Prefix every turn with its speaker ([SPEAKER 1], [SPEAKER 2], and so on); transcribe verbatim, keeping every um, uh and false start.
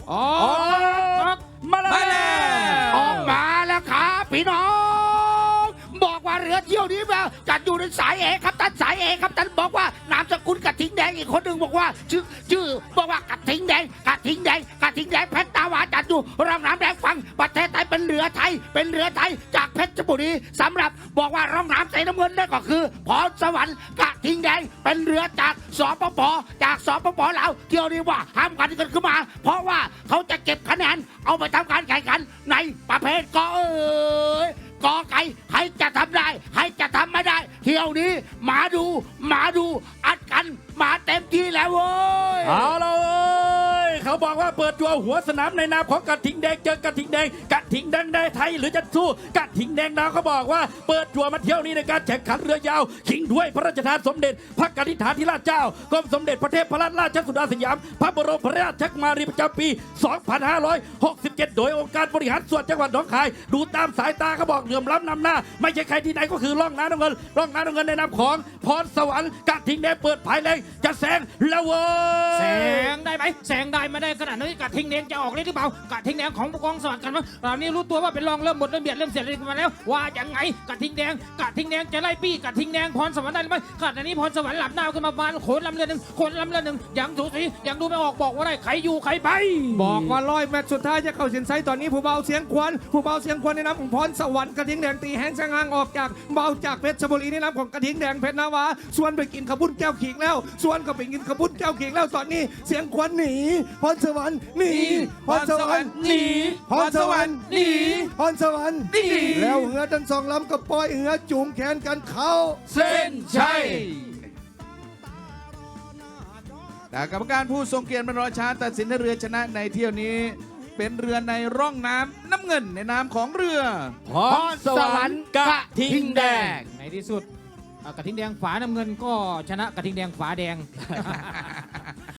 [SPEAKER 1] ออกมาแล้วออกมาแล้วครับพี่น้องบอกว่าเรือเที่ยวนี้แบบจัดอยู่ในสายเอครับท่านสายเอครับท่านบอกว่านามสกุลกระทิงแดงอีกคนหนึ่งบอกว่าชื่อชื่อบอกว่ากระทิงแดงกระทิงแดงกระทิงแดงเพชรตาวาจัดอยู่ร่องน้ำแดงฝั่งประเทศไทยเป็นเรือไทยเป็นเรือไทยจากเพชรบุรีสำหรับบอกว่าร่องน้ำสีน้ำเงินนั่นก็คือพรสวรรค์กระทิงแดงเป็นเรือจากสปปจากสปปลาวเที่ยวนี้ว่าห้ามกันกันขึ้นมา เพราะว่าเขาจะเก็บคะแนนเอาไปทำการแข่งขันในประเภทกอเอ๋ยกอไก่ใครจะทำได้ใครจะทำไม่ได้เที่ยวนี้มาดูมาดูอัดกันมาเต็มที่แล้วเว้ย
[SPEAKER 2] เอาเลยเขาบอกว่าเปิดตัวหัวสนามในนามของกระทิงแดงเจอกระทิงแดงกระทิงแดงได้ไทยหรือจะสู้กระทิงแดงดาวเขาบอกว่าเปิดตัวมาเที่ยวนี้ในการแข่งขันเรือยาวชิงถ้วยพระราชทานสมเด็จพระกนิษฐาธิราชเจ้ากรมสมเด็จพระเทพรัตนราชสุดาสยามพระบรมราชกุมารีประจำปี สองพันห้าร้อยหกสิบเจ็ด โดยองค์การบริหารส่วนจังหวัดหนองคายดูตามสายตาเขาบอกเหลื่อมล้ำนำหน้าไม่ใช่ใครที่ไหนก็คือร่องน้ำน้ำเงินร่องน้ำน้ำเงินในนามของพรสวรรค์กระทิงแดงเปิดภายแรงจะแซงแล้วเว้ย
[SPEAKER 3] แสงได้ไหมแสงได้ไม่ได้ขนาดนี้กระทิงแดงจะออกเลยหรือเปล่ากระทิงแดงของกองสวัสดิ์กันมั้งตอนนี้รู้ตัวว่าเป็นรองเริ่มหมดเริ่มเบียดเริ่มเสียดกันมาแล้วว่าอย่างไงกระทิงแดงกระทิงแดงจะไล่ปี้กระทิงแดงพรสวรรค์ได้ไหมขณะนี้พรสวรรค์หลับหน้าขึ้นมาบานโขนลำเรือหนึ่งโขนลำเรือหนึ่งยังสูสียังดูไม่ออกบอกว่าได้ใครอยู่ใครไป
[SPEAKER 4] บอกว่าร้อยแมตช์สุดท้ายจะเข้าเส้นชัยตอนนี้ผู้เบาเสียงควันผู้เบาเสียงควันในน้ำของพรสวรรค์กระทิงแดงตีแห้งช่างห่างออกจากเบาจากเพชรบุรีในน้ำของกระทิงแดงเพชรนาวาส่วนไปกินขบุ้นแก้วขิงแล้วส่วนก็ไปกินขบุ้นแก้วขิงแล้วตอนนี้เสียงควันหนีพรสวรรค์หนีพรสวรรค์หนีพรสวรรค์หนีพรสวรรค์หนีแล้วเหือทั้งสองลำก็ปล่อยเหือจูงแขนกันเข้า
[SPEAKER 2] เส้นชัย
[SPEAKER 5] แต่กรรมการผู้ทรงเกียรติบรรดาช้าตัดสินเรือชนะในเที่ยวนี้เป็นเรือในร่องน้ำน้ำเงินในนามของเรือ
[SPEAKER 2] พรสวรรค์กระทิงแดง
[SPEAKER 3] ในที่สุดกระทิงแดงฝาน้ำเงินก็ชนะกระทิงแดงฝาแดง